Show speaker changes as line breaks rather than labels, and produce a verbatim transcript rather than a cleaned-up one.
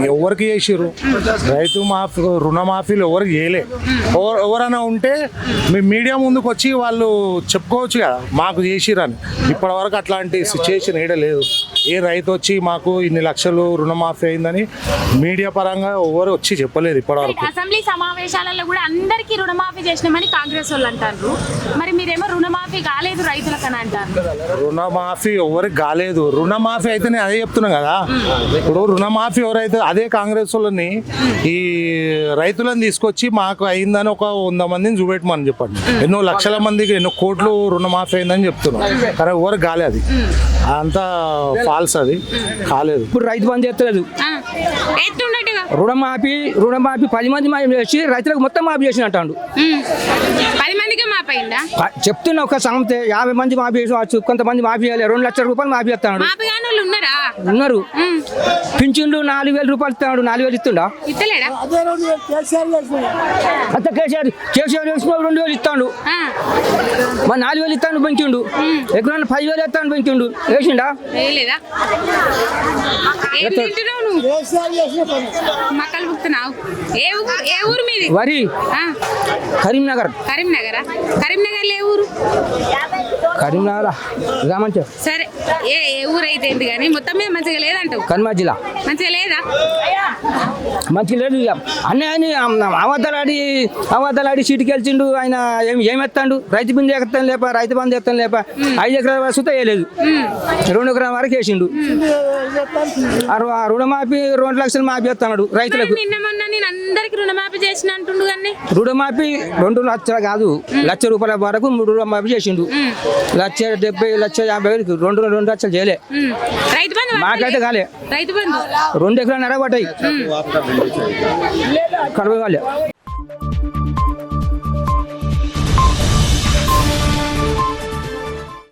ఎవరికి చేసిర్రు రైతు మాఫీ రుణమాఫీలు ఎవరికి చేయలే. ఎవరు ఎవరైనా ఉంటే మీ మీడియా ముందుకు వచ్చి వాళ్ళు చెప్పుకోవచ్చు కదా మాకు చేసిరని. ఇప్పటి వరకు అట్లాంటి సిచ్యుయేషన్ ఏడ లేదు. ఏ రైతు వచ్చి మాకు ఇన్ని లక్షలు రుణమాఫీ అయిందని మీడియా పరంగా ఎవరు వచ్చి చెప్పలేదు ఇప్పటివరకు.
అసెంబ్లీ సమావేశాలలో కూడా అందరికీ రుణమాఫీ చేసినామని కాంగ్రెస్ వాళ్ళు అంటారు. మరి మీరేమో రుణమాఫీ కాలేదు రైతులకని అంటారు.
రుణమాఫీ ఎవరికి కాలేదు. రుణమాఫీ అయితే నేను అదే చెప్తున్నా కదా. ఇప్పుడు రుణమాఫీ ఎవరైతే అదే కాంగ్రెస్ వాళ్ళని ఈ రైతులను తీసుకొచ్చి మాకు అయిందని ఒక వంద మందిని చూపెట్టమని చెప్పండి. ఎన్నో లక్షల మందికి ఎన్నో కోట్లు రుణమాఫీ అయిందని చెప్తున్నాం. కానీ ఎవరికి కాలేదు. అది అంతా ఫాల్స్. అది కాలేదు.
ఇప్పుడు రైతు బంధు చేస్తలేదు. రుణమాఫీ రుణమాఫీ పది మంది మాఫీ చేసి రైతులకు మొత్తం మాఫీ చేసిన అంటాడు.
పది మందికి మాఫీ అయిందా?
చెప్తున్నా ఒక సంస్థ యాభై మంది మాఫీ చేసి కొంతమంది మాఫీ చేయాలి. రెండు లక్షల రూపాయలు మాఫీ చేస్తాడు. ఉన్నారు. పింఛన్లు నాలుగు వేల రూపాయలు ఇస్తున్నాడు. నాలుగు వేలు ఇస్తుండా? అంత కేసీఆర్ కేసీఆర్ వేసుకున్న రెండు వేలు ఇస్తాడు. మరి నాలుగు వేలు ఇస్తాను పెంచిండు. ఎక్కడన్నా పది వేలు ఇస్తాను పెంచిండు. వేసిండా? వరి కరీంనగర్.
కరీంనగర్ కరీంనగర్ ఏ ఊరు?
కరీంనగర్ రామంచ.
సరే ఏ ఊరు అయితే ఏంటి కానీ మొత్తం మీద మంచిగా లేదంటావు.
కన్మా జిల్లా
మంచిగా లేదా?
మంచిగా లేదు. అన్నీ అవతలాడి అవతలాడి సీటుకి వెళ్చిండు. ఆయన ఏమి ఏమెత్తాడు? రైతు బంధు ఎత్తాను లేప రైతు బంధు ఎత్తాను లేప ఐదు ఎకరాల వరకు సుత వేయలేదు. రెండు ఎకరాల వరకు వేసిండు. రుణమాఫీ రెండు లక్షలు మాఫీ ఎత్తాడు రైతులకు.
నిన్న మొన్న నేను అందరికి రుణమాఫీ చేసిన అంటుండు కానీ
రుణమాఫీ రెండు లక్షలు కాదు లక్ష రూపాయల వరకు మూడు రుణమాఫీ చేసిండు. లక్ష డెబ్బై లక్ష యాభై వేలు రెండు రెండు లక్షలు చేయలే.
రైతు బంధు
మాకైతే కాలే.
రైతు బంధు
రెండు ఎకరాలు నడబట్టాయి కడవ కాలే.